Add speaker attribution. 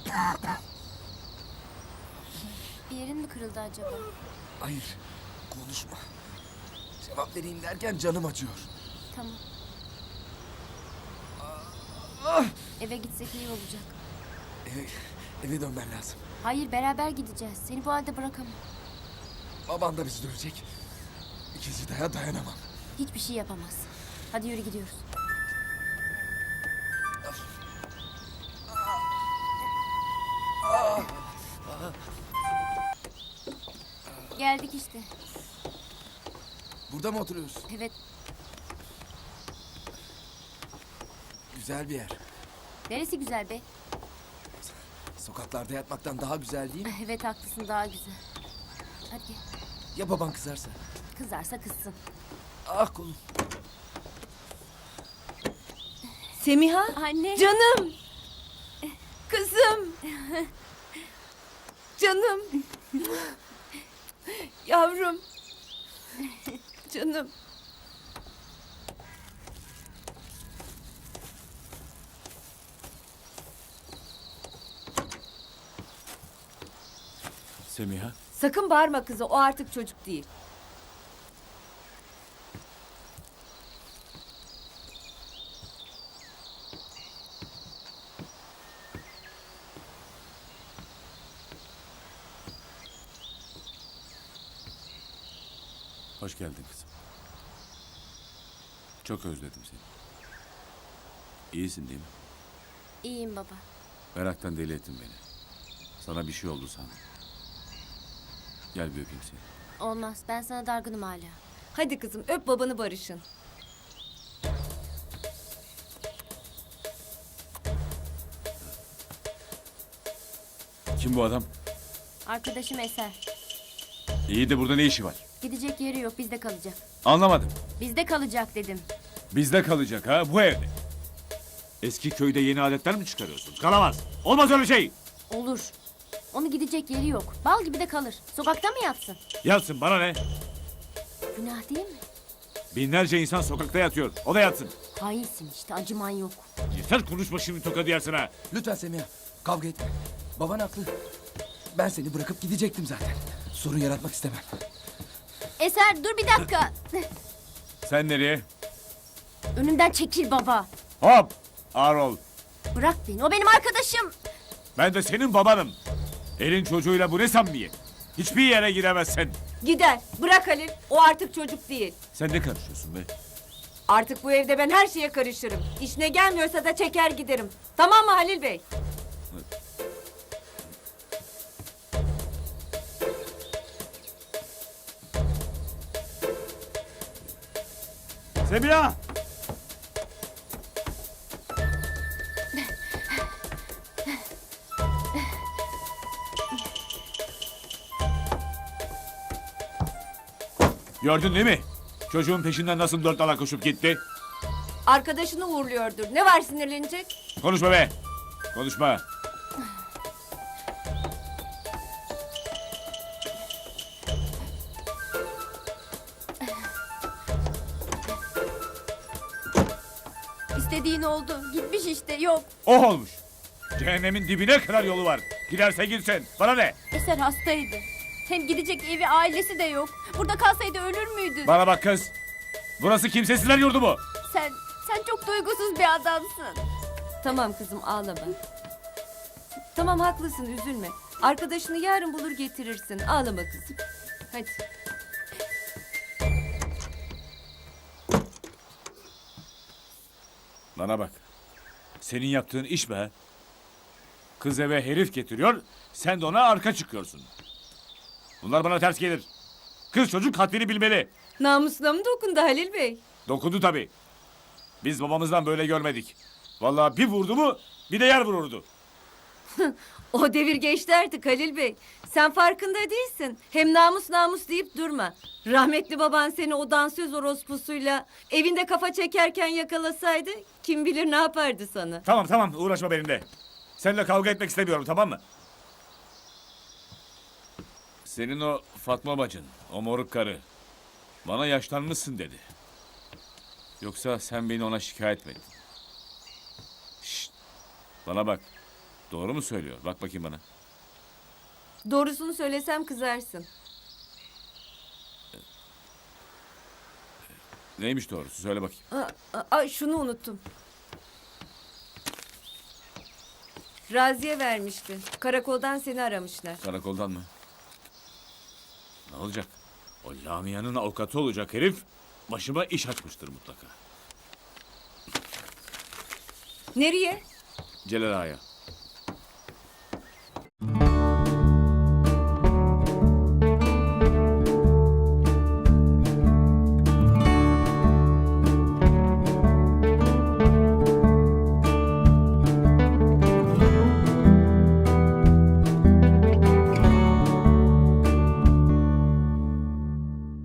Speaker 1: Bir yerin mi kırıldı acaba?
Speaker 2: Hayır, konuşma. Cevap vereyim derken canım acıyor.
Speaker 1: Tamam.
Speaker 2: Ah!
Speaker 1: Eve gitsek iyi olacak.
Speaker 2: Eve dönmen lazım.
Speaker 1: Hayır, beraber gideceğiz. Seni bu halde bırakamam.
Speaker 2: Baban da bizi dövecek. İkinci dayanamam.
Speaker 1: Hiçbir şey yapamaz. Hadi yürü gidiyoruz. Geldik işte.
Speaker 2: Burada mı oturuyorsun?
Speaker 1: Evet.
Speaker 2: Güzel bir yer.
Speaker 1: Neresi güzel be?
Speaker 2: Sokaklarda yatmaktan daha güzel değil mi?
Speaker 1: Evet haklısın, daha güzel. Hadi gel.
Speaker 2: Ya baban kızarsa?
Speaker 1: Kızarsa kızsın.
Speaker 2: Ah kolum.
Speaker 3: Semiha,
Speaker 1: Anne.
Speaker 3: canım, kızım, canım, yavrum, canım.
Speaker 4: Semiha,
Speaker 3: Sakın bağırma kızı, o artık çocuk değil.
Speaker 4: hoş geldin kızım. Çok özledim seni. İyisin değil mi?
Speaker 1: İyiyim baba.
Speaker 4: Meraktan deli ettin beni. Sana bir şey oldu sandım. Gel bir öpeyim seni.
Speaker 1: Olmaz. Ben sana dargınım hala.
Speaker 3: Hadi kızım, öp babanı barışın.
Speaker 4: Kim bu adam?
Speaker 1: Arkadaşım Eser.
Speaker 4: İyi de burada ne işi var?
Speaker 1: Gidecek yeri yok. Bizde kalacak.
Speaker 4: Anlamadım.
Speaker 1: Bizde kalacak dedim.
Speaker 4: Bizde kalacak ha, bu evde. Eski köyde yeni adetler mi çıkarıyorsun? Kalamaz. Olmaz öyle şey.
Speaker 1: Olur. Onu gidecek yeri yok. Bal gibi de kalır. Sokakta mı yatsın?
Speaker 4: Yatsın, bana ne?
Speaker 1: Günah değil mi?
Speaker 4: Binlerce insan sokakta yatıyor. O da yatsın.
Speaker 1: Hainsin işte. Acıman yok.
Speaker 4: Yeter, konuşma şimdi, tokadı yersin ha.
Speaker 2: Lütfen Semiha, kavga etme. Baban haklı. Ben seni bırakıp gidecektim zaten. Sorun yaratmak istemem.
Speaker 1: Eser dur bir dakika.
Speaker 4: Sen nereye?
Speaker 1: Önümden çekil baba.
Speaker 4: Hop! Ağır ol.
Speaker 1: Bırak beni. O benim arkadaşım.
Speaker 4: Ben de senin babanım. Elin çocuğuyla bu ne samimiyet? Hiçbir yere gidemezsin.
Speaker 3: Gider, bırak Halil, o artık çocuk değil.
Speaker 4: Sen ne karışıyorsun be?
Speaker 3: Artık bu evde ben her şeye karışırım. İşine gelmiyorsa da çeker giderim. Tamam mı Halil Bey?
Speaker 4: Semiha! Gördün değil mi? Çocuğun peşinden nasıl dört dala koşup gitti?
Speaker 3: Arkadaşını uğurluyordur. Ne var sinirlenecek?
Speaker 4: Konuşma be! Konuşma!
Speaker 1: İstediğin oldu. Gitmiş işte. Yok.
Speaker 4: Oh olmuş! Cehennemin dibine kadar yolu var. Giderse gitsin. Bana ne?
Speaker 1: Eser hastaydı. Hem gidecek evi, ailesi de yok. Burada kalsaydı ölür müydü?
Speaker 4: Bana bak kız. Burası kimsesizler yurdu mu?
Speaker 1: Sen çok duygusuz bir adamsın.
Speaker 3: Tamam kızım, ağlama. Tamam, haklısın, üzülme. Arkadaşını yarın bulur getirirsin. Ağlama kızım. Hadi.
Speaker 4: Bana bak. Senin yaptığın iş be. Kız eve herif getiriyor, sen de ona arka çıkıyorsun. Bunlar bana ters gelir. Kız çocuk haddini bilmeli.
Speaker 3: Namusuna mı dokundu Halil Bey?
Speaker 4: Dokundu tabii. Biz babamızdan böyle görmedik. Vallahi bir vurdu mu bir de yer vururdu.
Speaker 3: O devir geçti artık Halil Bey. Sen farkında değilsin. Hem namus namus deyip durma. Rahmetli baban seni o dansöz orospusuyla evinde kafa çekerken yakalasaydı kim bilir ne yapardı sana.
Speaker 4: Tamam tamam, uğraşma benimle. Seninle kavga etmek istemiyorum, tamam mı? Senin o Fatma bacın, o moruk karı bana yaşlanmışsın dedi. Yoksa sen beni ona şikayet mi ettin? Şşt, bana bak. Doğru mu söylüyor? Bak bakayım bana.
Speaker 3: Doğrusunu söylesem kızarsın.
Speaker 4: Neymiş doğrusu? Söyle bakayım.
Speaker 3: Şunu unuttum. Raziye vermişti. Karakoldan seni aramışlar.
Speaker 4: Karakoldan mı? Ne olacak? O Lamia'nın avukatı olacak herif başıma iş açmıştır mutlaka.
Speaker 3: Nereye?
Speaker 4: Celal Ağa'ya.